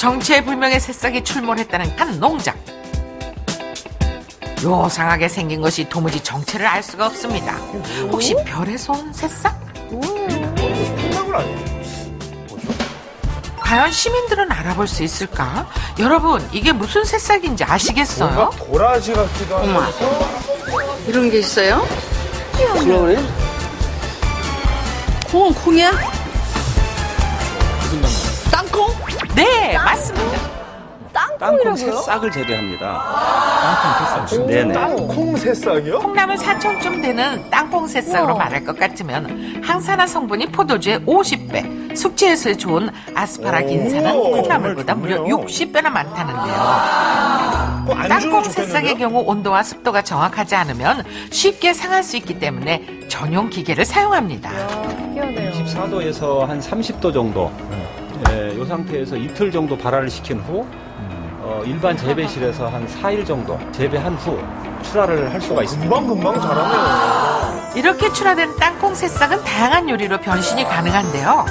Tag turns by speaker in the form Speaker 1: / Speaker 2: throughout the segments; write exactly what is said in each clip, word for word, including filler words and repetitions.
Speaker 1: 정체불명의 새싹이 출몰했다는 한 농장. 요상하게 생긴 것이 도무지 정체를 알 수가 없습니다. 혹시 별에서 온 새싹?
Speaker 2: 콩나물 아니에요?
Speaker 1: 과연 시민들은 알아볼 수 있을까? 여러분, 이게 무슨 새싹인지 아시겠어요?
Speaker 2: 뭔가 도라지 같기도 하면서
Speaker 3: 이런 게 있어요?
Speaker 4: 그러네.
Speaker 3: 콩은 콩이야? 땅콩?
Speaker 1: 네, 맞습니다.
Speaker 4: 땅콩 새싹을 재배합니다. 땅콩 새싹. 네네.
Speaker 2: 땅콩 새싹이요?
Speaker 1: 콩나물 사촌쯤 되는 땅콩 새싹으로 말할 것 같으면 항산화 성분이 포도주의 오십 배, 숙취해소에 좋은 아스파라긴산은
Speaker 2: 오,
Speaker 1: 콩나물보다
Speaker 2: 정말
Speaker 1: 무려
Speaker 2: 좋네요.
Speaker 1: 육십 배나 많다는데요.
Speaker 2: 어, 안주는
Speaker 1: 땅콩
Speaker 2: 좋겠는데요?
Speaker 1: 새싹의 경우 온도와 습도가 정확하지 않으면 쉽게 상할 수 있기 때문에 전용 기계를 사용합니다.
Speaker 4: 이십사 도에서 한 삼십 도 정도. 예, 이 상태에서 이틀 정도 발화를 시킨 후 어, 일반 재배실에서 한 사 일 정도 재배한 후 출하를 할 수가 있습니다.
Speaker 2: 금방금방 자라네요.
Speaker 1: 이렇게 출하된 땅콩 새싹은 다양한 요리로 변신이 가능한데요.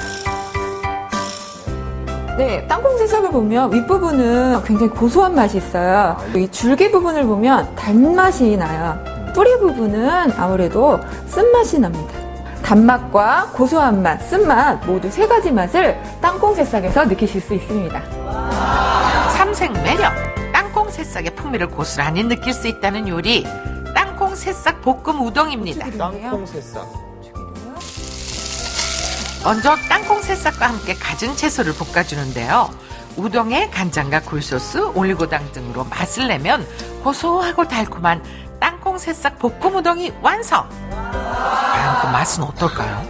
Speaker 5: 네, 땅콩 새싹을 보면 윗부분은 굉장히 고소한 맛이 있어요. 이 줄기 부분을 보면 단맛이 나요. 뿌리 부분은 아무래도 쓴맛이 납니다. 단맛과 고소한 맛, 쓴맛 모두 세 가지 맛을 땅콩 새싹에서 느끼실 수 있습니다.
Speaker 1: 삼색 매력, 땅콩 새싹의 풍미를 고스란히 느낄 수 있다는 요리, 땅콩 새싹 볶음 우동입니다.
Speaker 2: 땅콩 새싹.
Speaker 1: 먼저 땅콩 새싹과 함께 갖은 채소를 볶아주는데요. 우동에 간장과 굴소스, 올리고당 등으로 맛을 내면 고소하고 달콤한 땅콩 새싹 볶음 우동이 완성! 과연 그 맛은 어떨까요?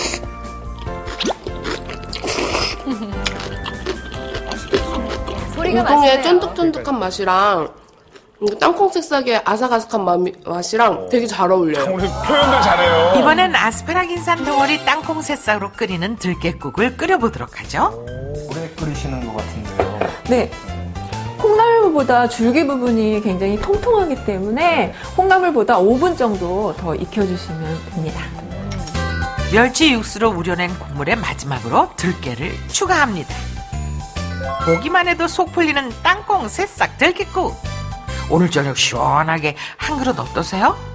Speaker 5: 소리가
Speaker 6: 우동의
Speaker 5: 맛있네요.
Speaker 6: 쫀득쫀득한 맛이랑 이 땅콩 새싹의 아삭아삭한 맛이- 맛이랑 되게 잘 어울려요.
Speaker 2: 오늘 표현들 잘해요.
Speaker 1: 이번엔 아스파라긴산 덩어리 땅콩 새싹으로 끓이는 들깨국을 끓여보도록 하죠.
Speaker 2: 오래 끓이시는 것 같은데요.
Speaker 5: 네. 콩나물보다 줄기 부분이 굉장히 통통하기 때문에 콩나물보다 오 분 정도 더 익혀주시면 됩니다.
Speaker 1: 멸치 육수로 우려낸 국물에 마지막으로 들깨를 추가합니다. 보기만 해도 속 풀리는 땅콩 새싹 들깨국. 오늘 저녁 시원하게 한 그릇 어떠세요?